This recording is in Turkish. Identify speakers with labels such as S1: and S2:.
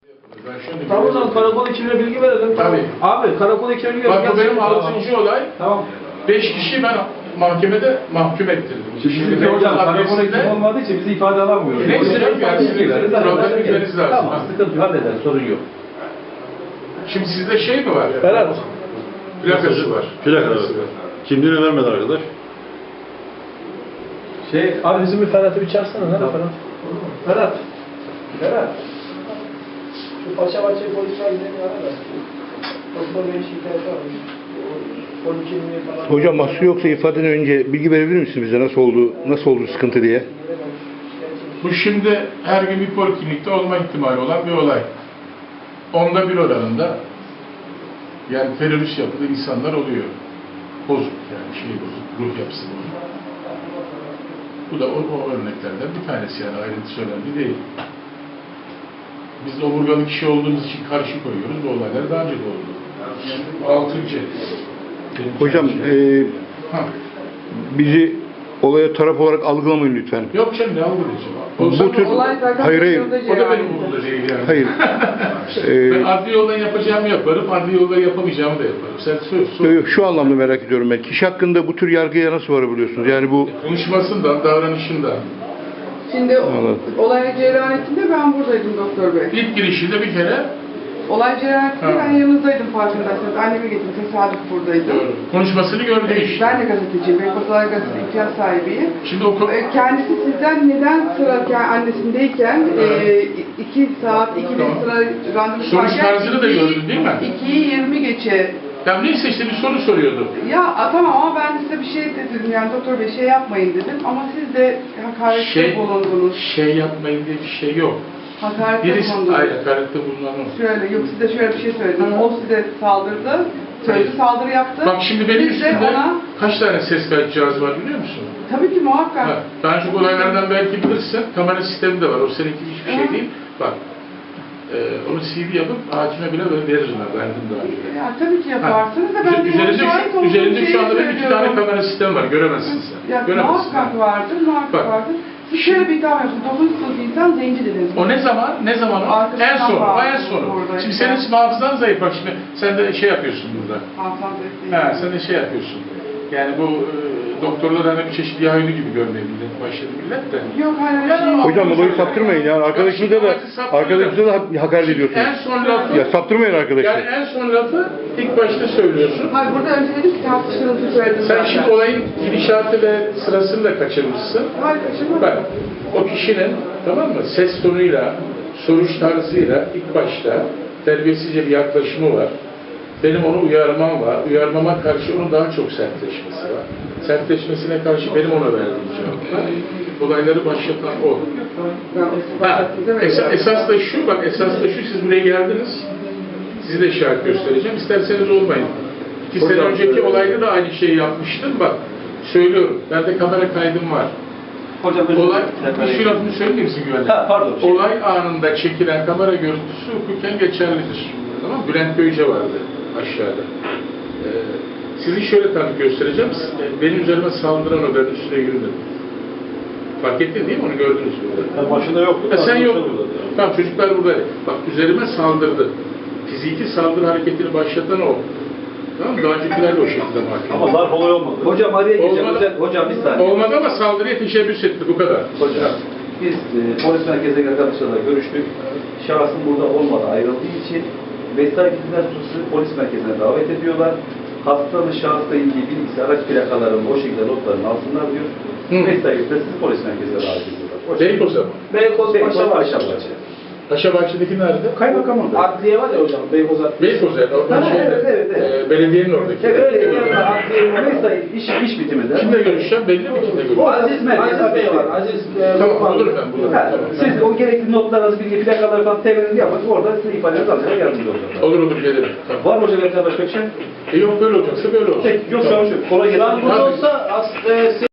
S1: Tamam o zaman karakol ekibine bilgi verelim.
S2: Tabii.
S1: Abi karakol ekibine bilgi
S2: Bak bu benim
S1: Tamam.
S2: 6. olay.
S1: Tamam.
S2: 5 kişi ben mahkemede mahkum ettirdim.
S1: Şimdi hocam karakol ekibi olmadığı için bizi ifade alamıyoruz.
S2: Neyse,
S1: Hocam,
S2: yani
S1: bilgi
S2: sizin
S1: veririz,
S2: problem
S1: hallederiz.
S2: bilmeniz lazım.
S1: Tamam, sıkıntı yok, hallederiz, sorun yok.
S2: Şimdi sizde şey mi var?
S1: Ferhat.
S2: Plakası var.
S3: Plakası var. Kimliğini vermedi arkadaş.
S1: Abi bizim bir Ferhat'ı bir çağırsana. Nerede Ferhat? Ferhat. Ferhat. Şu paşa bahçe polisler gidelim ara da. Doktor Bey'in şikayeti varmış.
S4: Hocam mahsur yoksa ifadeden önce bilgi verebilir misiniz bize nasıl oldu sıkıntı diye?
S2: Bu şimdi her gün bir poliklinikte olma ihtimali olan bir olay. 1/10 oranında yani terörist yapılı insanlar oluyor. Bozuk yani bozuk, ruh yapısı bozuk. Bu da o örneklerden bir tanesi yani ayrıntısı önemli değil. Biz de omurgalı kişi olduğumuz için karşı koyuyoruz. Bu olaylar daha önce de oldu. 6.
S4: Hocam bizi olaya taraf olarak algılamayın lütfen.
S2: Yok canım ne algılayacağım?
S4: Bu tür... Hayır.
S2: O da benim umurumda değil yani.
S4: Hayır.
S2: Ben adli yoldan yapacağımı yaparım, adli yoldan yapamayacağımı da yaparım. Sen söz.
S4: Şu anlamda merak ediyorum ben. Kişi hakkında bu tür yargıya nasıl varabiliyorsunuz? Yani bu...
S2: Konuşmasından, davranışından.
S5: Şimdi olay cereyanetinde ben buradaydım doktor bey.
S2: İlk girişinde bir kere
S5: Olay cereyanetinde ben yanınızdaydım farkındaysanız. Annemi getirdim, tesadüf buradaydım.
S2: doğru. Konuşmasını gördü işte.
S5: Ben de gazeteciyim, Beykoz Olay Gazetesi ihtiyaç sahibiyim.
S2: Şimdi o
S5: Kendisi sizden neden sıra annesindeyken 2 saat, 2 bin
S2: Tamam.
S5: sıra randevu
S2: Soruş tarzını da gördün değil mi?
S5: 2'yi 20 geçe.
S2: Ya neyse işte bir soru soruyordu.
S5: Ya tamam ama ben size bir şey dedim yani doktor bey şey yapmayın dedim ama siz de hakarette bulundunuz.
S2: Şey yapmayın diye bir şey yok.
S5: Hakarette
S2: Birisi
S5: bulundunuz.
S2: hakarette bulunan o.
S5: Şöyle, yok size şöyle bir şey söyledim. O size saldırdı, sözlü saldırı yaptı.
S2: Bak şimdi benim
S5: Siz de
S2: üstümde
S5: ona,
S2: kaç tane ses kayıt cihazı var biliyor musun?
S5: tabii ki muhakkak.
S2: Ha, daha çok olaylardan belki bilirsin. Kamera sistemi de var. O seninki hiçbir şey
S5: Hı.
S2: değil. Bak. Onu CD yapıp hakime bile veririm ben. Verdim daha önce.
S5: Ya tabii ki yaparsınız da ben
S2: Üzerinde şu anda benim 2 tane kamera sistemi var. Göremezsin sen.
S5: Ya
S2: Göremezsin.
S5: muhakkak vardır, muhakkak
S2: Bak.
S5: vardır. Siz şöyle bir iddia yapıyorsunuz. 9 sınıf insan zenci dediniz.
S2: O ne zaman? Ne zaman o?
S5: Arkasından
S2: En son. O en
S5: bağlı
S2: sonu.
S5: orada
S2: Şimdi
S5: işte.
S2: senin hafızan zayıf. Bak şimdi sen de şey yapıyorsun burada.
S5: Hanımefendi değil.
S2: Ha, sen de şey yapıyorsun. Yani bu doktorlar hani bir çeşit yahudi gibi görmeye başladı millet de.
S5: Yok hayır.
S2: Ya,
S5: Şey yok.
S4: Hocam olayı saptırmayın yani. Arkadaşımıza da hakaret ediyorsunuz.
S2: En son lafı,
S4: Ya saptırmayın arkadaşlar.
S2: yani en son lafı ilk başta söylüyorsun.
S5: Hayır burada önce dedim ki tartışmanızı söyledim
S2: Sen
S5: zaten.
S2: şimdi olayın gidişatı ve sırasını da kaçırmışsın.
S5: Hayır kaçırmadım.
S2: Bak, o kişinin tamam mı ses tonuyla, soruş tarzıyla ilk başta terbiyesizce bir yaklaşımı var. Benim onu uyarmam var. Uyarmama karşı onun daha çok sertleşmesi var. Sertleşmesine karşı benim ona verdiğim cevap var. Olayları başlatan o. Esas da şu, bak esas da şu, siz buraya geldiniz. Sizi de şahit göstereceğim. İsterseniz olmayın. 2 sene önceki olayda da aynı şeyi yapmıştım. Bak, söylüyorum. Bende kamera kaydım var.
S1: Hocam
S2: Olay, bir şu lafını söyler misin güvenlik?
S1: Pardon.
S2: Olay anında çekilen kamera görüntüsü hukuken geçerlidir. Tamam mı? Bülent Göyce vardı aşağıda. Sizi şöyle tabii göstereceğim. Benim üzerime saldıran o, ben üstüne yürüdüm. Fark ettin değil mi? Onu gördünüz burada.
S3: Ben başında yoktum.
S2: Sen yoktun. Tamam, çocuklar burada. Bak, üzerime saldırdı. Fiziki saldırı hareketini başlatan o. Tamam mı? Daha öncekiler de o şekilde mahkum.
S3: Ama darp olay olmadı.
S1: Hocam araya gireceğim.
S2: Olmadı.
S1: Hocam bir saniye.
S2: Olmadı ama saldırıya teşebbüs etti. Bu kadar.
S1: Hocam biz polis merkezine arkadaşlarla görüştük. Şahsın burada olmadan ayrıldığı için vesayet hizmet suçlusu polis merkezine davet ediyorlar. Hastalı şahısla ilgili bilgisi, araç plakalarının o şekilde notlarını alsınlar diyor. Vesayette sizi polis merkezine davet ediyorlar.
S2: Beykoz'a mı?
S1: Beykoz Paşa
S2: Paşabahçe'deki nerede?
S1: Kaymakamın da. Adliye var ya hocam, Beykoz Adliye.
S2: Beykoz yani. Oradan
S1: evet.
S2: Belediyenin oradaki.
S1: Evet, adliye iş bitiminde.
S2: Kimle görüşeceğim? Belli mi kimle görüşeceğim?
S1: Aziz Bey var. Aziz
S2: Tamam, bulurum ben, bulurum. Tamam.
S1: Siz o gerekli notlarınızı, bilgi plakaları falan temelini yapın. Orada sizin ifadenizi alacağına yardımcı olacaklar.
S2: Olur gelirim. Tamam.
S1: Var mı hocam başka bir şey?
S2: Yok böyle olacaksa böyle olsun.
S1: Peki, yok şu an şu. Kolay gelsin.
S2: Tabii.